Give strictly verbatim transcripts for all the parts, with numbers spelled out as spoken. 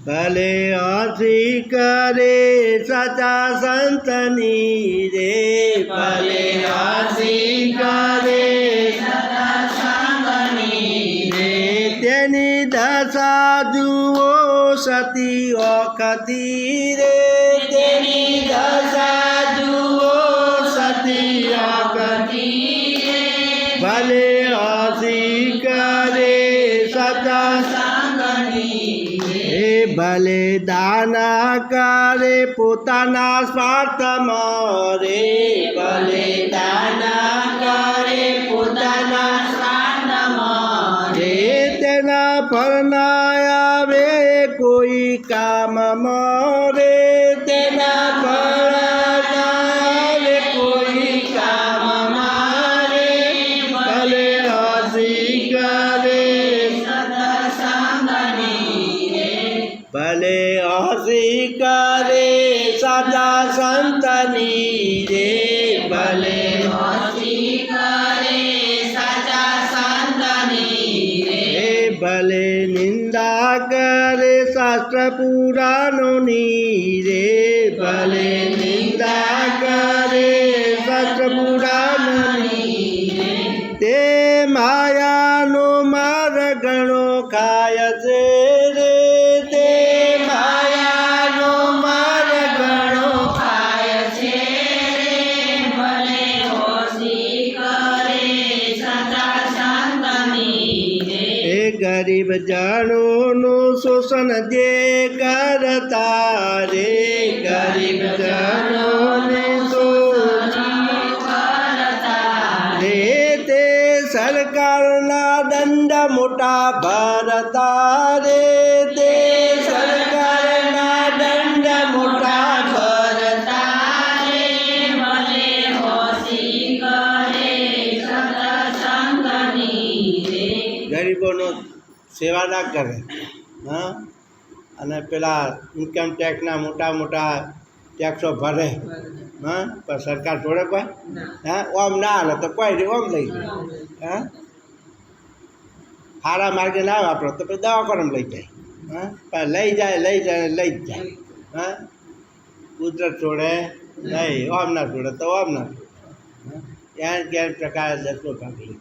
ભલે હસી કરે સાચા સંતની રે, ભલે હસી કરે સાચા સંતની રે, તેની દશા જુઓ સતી ઓખતી રે, તેની દશા જુઓ સતી ઓખતી રે, ભલે હસી કરે સાચા ભલે દાના કરે પોતાના સ્વાર્થમાં રે, ભલે દાના કરે પોતાના સ્વાર્થમાં રે, તેના ફળ ના આવે કોઈ કામમાં રે, તેના ફળ ના આવે કોઈ કામમાં રે, ભલે હસી કરે ભલે હસી કરે સાચા સંતની રે, ભલે હસી કરે સાચા સંતની રે, ભલે નિંદા કરે શાસ્ત્ર પુરાણોની રે, ભલે નિંદા કરે શાસ્ત્ર પુરાણોની રે, તે માયાનો માર ઘણો ખાય છે રે, ગરીબ જનોનું શોષણ જે કરતા રે, ગરીબ જનોને શોષણ કરતા રે, તે સરકારના દંડ મોટા ભરતા રે, તે સરકારના દંડ મોટા ભરતા રે, ભલે હસી કરે સત્સંગની રે, ગરીબોનો સેવા ના કરે હા, અને પેલા ઇન્કમ ટેક્સના મોટા મોટા ટેક્સો ભરે હા, પણ સરકાર જોડે કોઈ હા ઓમ ના હાલે તો કોઈ નહીં ઓમ લઈ જાય હા, સારા માર્ગે ના વાપરો તો પછી દવાખાનામાં લઈ જાય હા, પણ લઈ જાય લઈ જાય લઈ જ જાય હા, કુદરત છોડે નહીં, ઓમ ના છોડે તો ઓમ ના છોડે ત્યાં ક્યાંય પ્રકારે દસમો ભાગ લઈ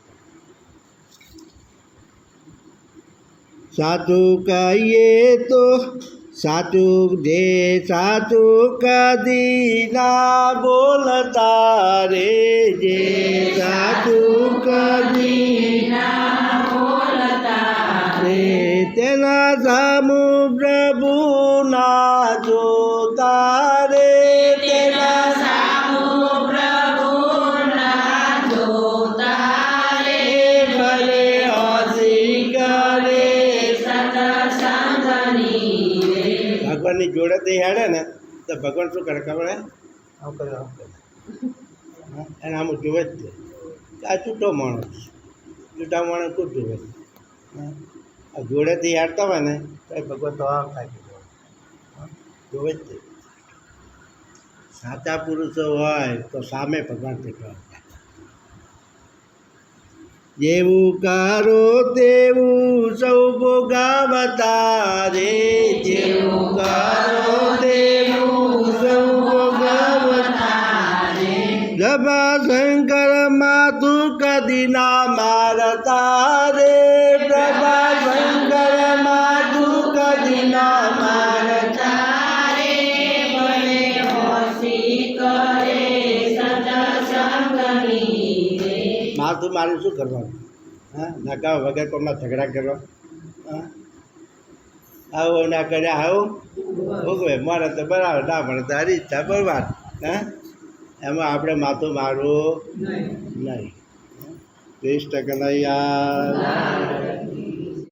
સાચું કહીએ તો સાચું જે સાચું કદી ના બોલતા રે, જે સાચું કદી ના બોલતા રે, તેના સામુ પ્રભુ ના જોતા રે, તેના સામુ પ્રભુ ના જોતા રે, ભલે હસી કરે ભગવાનની જોડે તે હેડે ને તો ભગવાન શું કરે ખબર હે આમ કરે આમ કરે એને આમ જોવે જ છે, આ છૂટો માણસ છૂટા માણસ ખૂબ જોવે આ જોડેથી હેડતા હોય ને તો ભગવાન તો આમ થાય જોવે જ છે, સાચા પુરુષો હોય તો સામે ભગવાન દેખાય, જેવું કરો તેવું સૌ ભોગવતા રે, જેવું કરો તેવું સૌ ભોગવતા રે, પ્રભા શંકર માથું કદી ના મારતા રે, પ્રભા શંકર માથું કદી ના મારતા રે, ભલે હસી કરે સત્સંગની રે, માથું મારું શું કરવાનું હા, નકા વગર કોઈમાં ઝઘડા કરવા હા, આવું ના કર્યા આવું ભોગવે મારે તો બરાબર ના મળે તો હરી ઈચ્છા બરબાદ હા, એમાં આપણે માથું મારવું નહીં, કૃષ્ણ કનૈયા